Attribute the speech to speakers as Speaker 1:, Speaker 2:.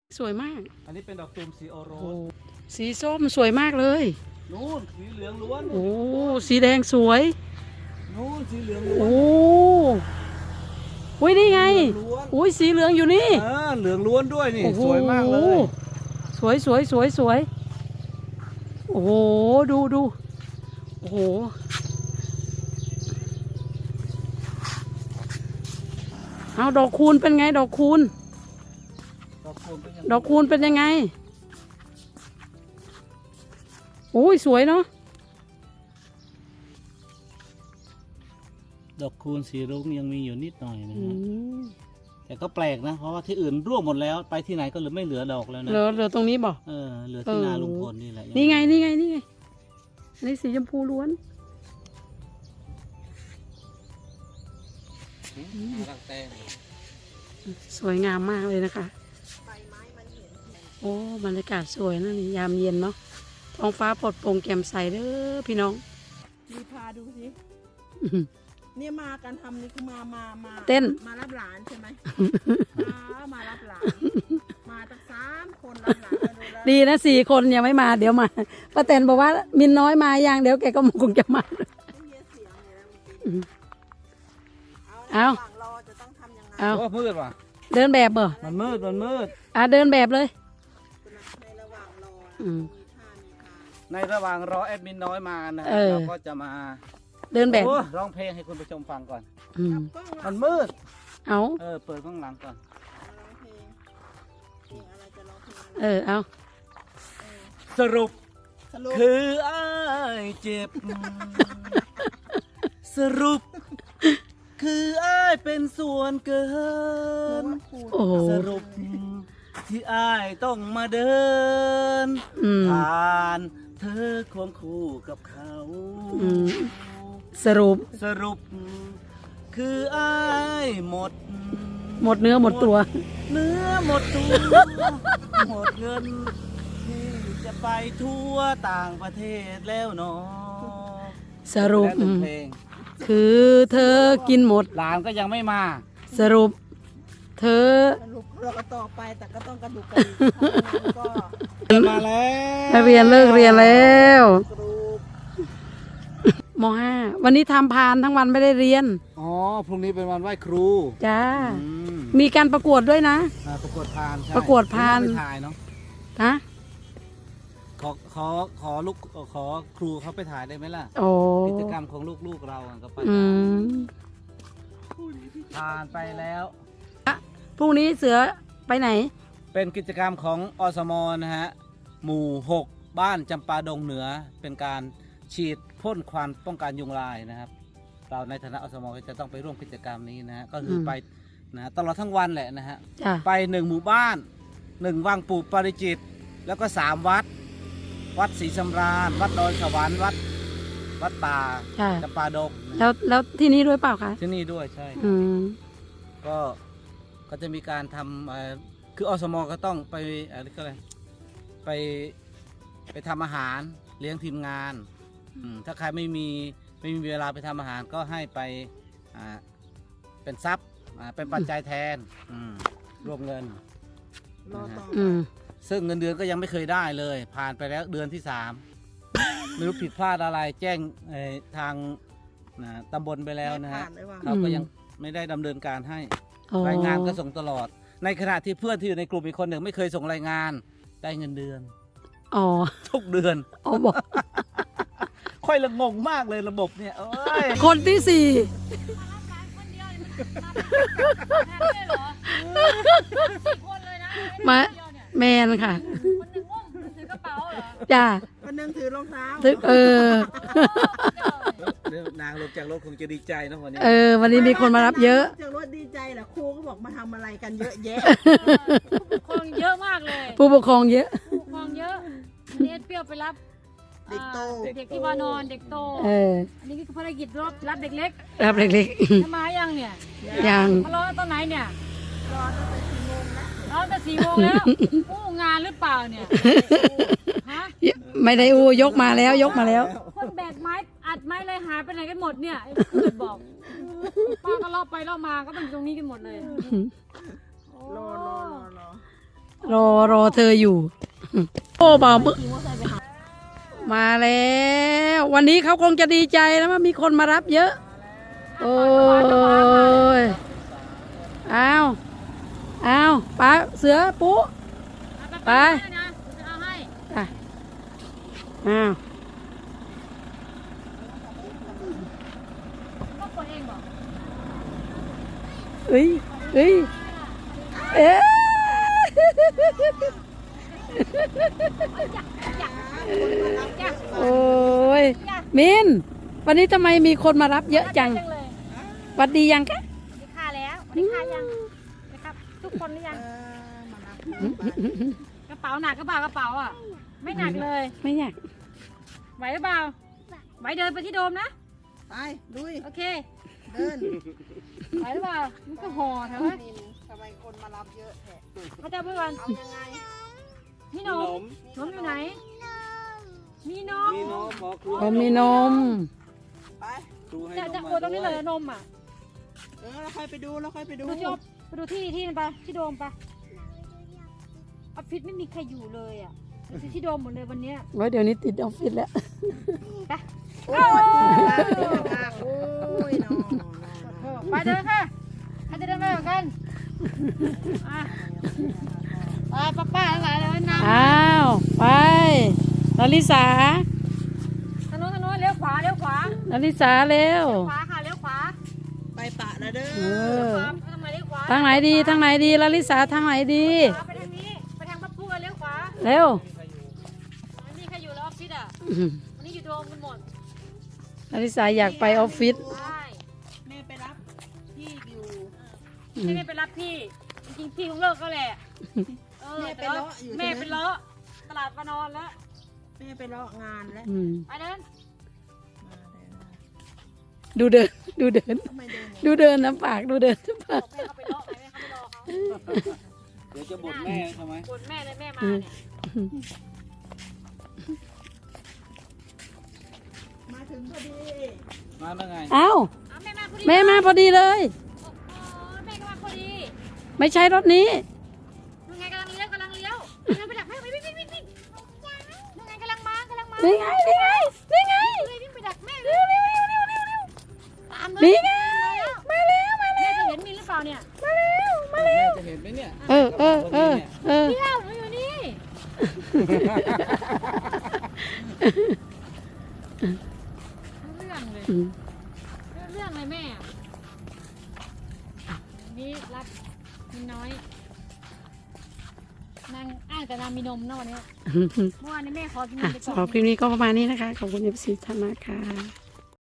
Speaker 1: สวยมาก
Speaker 2: อันนี้เป็นดอกตูมสีโอโรส
Speaker 1: สีส้มสวยมากเลย
Speaker 2: นู่นสีเหลืองล้วน
Speaker 1: โอ้สีแดงสวย
Speaker 2: นู่นสีเหลืองล้วน
Speaker 1: โอ้อุ้ยนี่ไงอุ้ยสีเหลืองอยู่นี่
Speaker 2: เหลืองล้วนด้วยนี่สวยมากเลย
Speaker 1: สวยโอ้โหดูโอ้โหเอาดอกคูณเป็นไงดอกคูณเป็นยังไงโอ้ยสวยเนาะ
Speaker 2: ดอกคูณสีรุ้งยังมีอยู่นิดหน่อยนะฮะแต่ก็แปลกนะเพราะว่าที่อื่นร่วงหมดแล้วไปที่ไหนก็ไม่เหลือดอกแล้วนะ
Speaker 1: เหลือตรงนี้บ่
Speaker 2: เหลือที่นาลุงพลนี่แหละ
Speaker 1: นี่ไงอันนี้สีชมพูล้วน
Speaker 2: รักแตง
Speaker 1: สวยงามมากเลยนะคะโอ้บรรยากาศสวยนะนี่ยามเย็นเนาะท้องฟ้าปลอดโปร่งแจ่มใสเด้อพี่น้อง
Speaker 3: มีพาดูสิเนี่ยมากันทำนี่คือมา
Speaker 1: เต้น
Speaker 3: มารับหลานใช่ไหมมารับหลานมาตั้ง3 คนรับหลาน
Speaker 1: ดีนะ4 คนยังไม่มาเดี๋ยวมาป้าแตนบอกว่ามินน้อยมาอย่างเดี๋ยวแกก็คงจะมาเอา
Speaker 2: มืดว่ะ
Speaker 1: เดินแบบเหรอ
Speaker 2: มันมืดเ
Speaker 1: ดินแบบเลย
Speaker 3: ในระหว่างรอ
Speaker 2: ในระหว่างรอแอดมินน้อยมานะเราก็จะมา
Speaker 1: เดินแบบ
Speaker 2: ร้องเพลงให้คุณผู้ชมฟังก่อน
Speaker 1: มั
Speaker 2: นมืด
Speaker 1: เอา
Speaker 2: เปิดข้างหลังก่อน
Speaker 1: เอา
Speaker 2: สรุปคืออ้ายเจ็บสรุปคืออ้ายเป็นส่วนเกินสรุปที่อ้ายต้องมาเดินผ่านเธอควงคู่กับเขา
Speaker 1: สรุป
Speaker 2: คืออ้ายหมด
Speaker 1: เนื้อหมดตัว
Speaker 2: หมดตัวหมดเงินที่จะไปทั่วต่างประเทศแล้วเนาะ
Speaker 1: สรุปคือเธอกินหมด
Speaker 2: หลานก็ยังไม่มา
Speaker 1: สรุปเธอ
Speaker 3: เราก็ต่อไปแต่ก็ต้องกระดูกกระดิก
Speaker 2: มาแล้ว
Speaker 1: นักเรียนเลิกเรียนแล้วม.5 วันนี้ทำพานทั้งวันไม่ได้เรียน
Speaker 2: พรุ่งนี้เป็นวันไหว้ครู
Speaker 1: จ้ามีการประกวดด้วยนะ
Speaker 2: ประกวดพานใช่
Speaker 1: ประกวดพาน
Speaker 2: ถ่ายเนาะขอลูกขอครูเขาไปถ่ายได้ไหมล่ะกิจกรรมของลูกเราก็ไปผ่านไปแล้ว
Speaker 1: พรุ่งนี้เสือไปไหน
Speaker 2: เป็นกิจกรรมของอสมนะฮะหมู่6บ้านจำปาดงเหนือเป็นการฉีดพ่นควันป้องกันยุงลายนะครับเราในฐานะอสมก็จะต้องไปร่วมกิจกรรมนี้นะฮะก็คือไปนะตลอดทั้งวันแหละนะฮะไป1 หมู่บ้าน1 วังปู่ปาริจิตแล้วก็3 วัดศรีสำราญวัดดอยสวรรค์วัดป่าจำปาดง
Speaker 1: แล้วที่นี่ด้วยเปล่าคะ
Speaker 2: ที่นี่ด้วยใช่ก็จะมีการทำคืออสมก็ต้องไปอะไรก็เลยไปทำอาหารเลี้ยงทีมงานถ้าใครไม่มีเวลาไปทำอาหารก็ให้ไปเป็นทรัพย์เป็นปัจจัยแทนรวมเงินซึ่งเงินเดือนก็ยังไม่เคยได้เลยผ่านไปแล้วเดือนที่3ไม่รู้ผิดพลาดอะไรแจ้งทางตำบลไปแล้วนะฮะเขาก็ยังไม่ได้ดำเนินการให้รายงานก็ส่งตลอดในขณะที่เพื่อนที่อยู่ในกลุ่มอีกคนหนึ่งไม่เคยส่งรายงานได้เงินเดือนทุกเดือน
Speaker 1: บอก
Speaker 2: ค่อยละงงมากเลยระบบเนี่ย
Speaker 1: คนที่4มาแมนค่ะจ้า
Speaker 3: คนนึงถือรองเท้
Speaker 2: านางลงจากรถคงจะดีใจนะวันนี้
Speaker 1: วันนี้มีคนมารับเยอะ
Speaker 3: จากรถดีใจแหละครูก็บอกมาทำอะไรกันเยอะแยะ
Speaker 4: ผู้ปกครองเยอะมากเลย
Speaker 1: ผู้ปกครองเยอะ
Speaker 4: นี่เปรี้ยวไปรับเด็กโตเด็กที่ว่านอนเด็กโตอันนี้คือภารกิจรับเด็กเล็กจะมายังเนี่ย
Speaker 1: ยัง
Speaker 4: มารอตอนไหนเนี่ยรอตั้งแต่4 โมงแล้วงานหรือเปล่าเนี่ย
Speaker 1: ไม่ได้ยกมาแล้ว
Speaker 4: คนแบกไม้อัดไม้เลยหายไปไหนกันหมดเนี่ยเกิดบอกป้าก็ล่อไปล่อมาก็เป็นตรงนี้กันหมดเลย
Speaker 3: รอ
Speaker 1: รอเธออยู่ โอ้บ่าวมึมาแล้ว วันนี้เขาคงจะดีใจนะว่ามีคนมารับเยอะ โอ้ยอ้าวไปเสือปุ๊ไป
Speaker 4: นะจะเอาให้
Speaker 1: อ่ะอ้าว
Speaker 4: ก็กดเองบอก
Speaker 1: เอ้ยเอ๊ะโอ้ยมินวันนี้ทำไมมีคนมารับเยอะจัง
Speaker 4: เลย
Speaker 1: หวัดดียังคะ
Speaker 4: ดีค่าแล้วดีค่ายังนะครับ ทุกคนหรือยัง
Speaker 3: มารับ
Speaker 4: กระเป๋าหนักกระเป๋ากระเป๋าอ่ะ ไม่หนักเลย
Speaker 1: ไม่อยาก
Speaker 4: ไหวหรือเปล่าไหวเดินไปที่โดมนะ
Speaker 3: ไปลุย
Speaker 4: โอเค
Speaker 3: เดิน
Speaker 4: ไหวหรือเปล่ามันก็ห่อแถวนั้น
Speaker 3: ทำไมคนมารับเยอะแท้
Speaker 4: เขาจะเพื่อน
Speaker 3: เอายังไง
Speaker 4: มีนมนมอยู่ไหน มีนม
Speaker 2: มีน้องบอกครู
Speaker 1: ผมมีนม
Speaker 3: ไป
Speaker 2: ครูให้
Speaker 4: จะ
Speaker 2: น
Speaker 4: จะ
Speaker 2: ม
Speaker 4: โอ
Speaker 2: มา
Speaker 4: ตรงนี้เลย
Speaker 2: ด้วย
Speaker 4: นมอ่ะ
Speaker 3: เราค่อยไปดูเราค่อยไปดู
Speaker 4: ดูจบไปดูที่นั่นไปที่โดมไปออฟฟิศไม่มีใครอยู่เลยอ่ะดูที่โดมหมดเลยวันเนี้ย
Speaker 1: ไว้เดี๋ยวนี้ติดออฟฟิศแล้ว
Speaker 4: ไป
Speaker 3: โอ้ยโอ้ยน้อง
Speaker 4: ไปเดินค่ะใครจะเดินไปกับกันอ่ะไปป้าทั้งหลายเลยนำ
Speaker 1: อ้าวไปลลิสา
Speaker 4: ถนนเลี้ยวขวาเลี้ยวขวา
Speaker 1: ลลิสาเร็ว
Speaker 4: ขวาค่ะเลี้ยวขวา
Speaker 3: ไปปะนะเด้
Speaker 1: เอ
Speaker 3: อ
Speaker 1: อ
Speaker 4: ทำไมเลี้ยวขวา
Speaker 1: ทางไหนดีทางไหนดีลลิสาทางไหนดี
Speaker 4: ไปทางนี้ไปทางพับพูเลี้ยวขวา
Speaker 1: เร็ว
Speaker 4: ไม่มีใครอยู่แล้วออฟฟิศอ่ะวันนี้อยู่โดมกันหมด
Speaker 1: ลลิสาอยากไปออฟฟิศ
Speaker 4: ใช่
Speaker 3: แม่ไปรับพี่อยู่
Speaker 4: ไม่ไปรับพี่จริงๆพี่คงเลิกก็แหละแม่ไปเลาะตลาดมานอนแล้ว
Speaker 3: แม่ไปเลาะงานแล้ว
Speaker 1: อืม
Speaker 4: ไปเดิน
Speaker 1: ดูเดิน ดูเดิน
Speaker 3: ทำไมเดิน
Speaker 1: ดูเดินน้ำปากดูเดินน้ำปาก
Speaker 4: แม่เขาไปเลาะไหนแม่เขาไปรอเขา
Speaker 2: เดี๋ยวจะบ่นแม่ใช่ไหม
Speaker 4: บ่นแม่เลยแม่มาเนี่ย
Speaker 3: มาถึงพอดี
Speaker 2: มาแล้วไง
Speaker 1: เอ้า
Speaker 4: แม่มาพอดี
Speaker 1: แม่มาพอดีเลย
Speaker 4: แม่ก็มาพอดี
Speaker 1: ไม่ใช่รถนี้
Speaker 4: ยังไงกำลังเลี้ยวไปดักแม่วิ่งยังไงกำลังมา
Speaker 1: นี่ไงนี่ไงนี่ไง
Speaker 4: เลยวิ่งไปดักแม่
Speaker 1: เร็วเร็วเร็วเร็วเร็วเร็ว
Speaker 4: ตามเลย
Speaker 1: นี่ไงมาแล้ว
Speaker 4: แม่จะเห็นมีหรือเปล่าเนี่ย
Speaker 1: มาแล้ว
Speaker 2: แม่จะเห็นไหมเนี่ย
Speaker 1: เออ
Speaker 4: เที่ยวหนูอยู่นี่เรื่องเลย เรื่องเลยแม่นี่รับมีน้อยนางอ้างแต่นางมีนมเนาะวันนี้เมื่อวานนี้แม่ขอกินนมไปก่อน
Speaker 1: สำหรับคลิปนี้ก็ประมาณนี้นะคะ ขอบคุณเอฟซีท่านมากค่ะ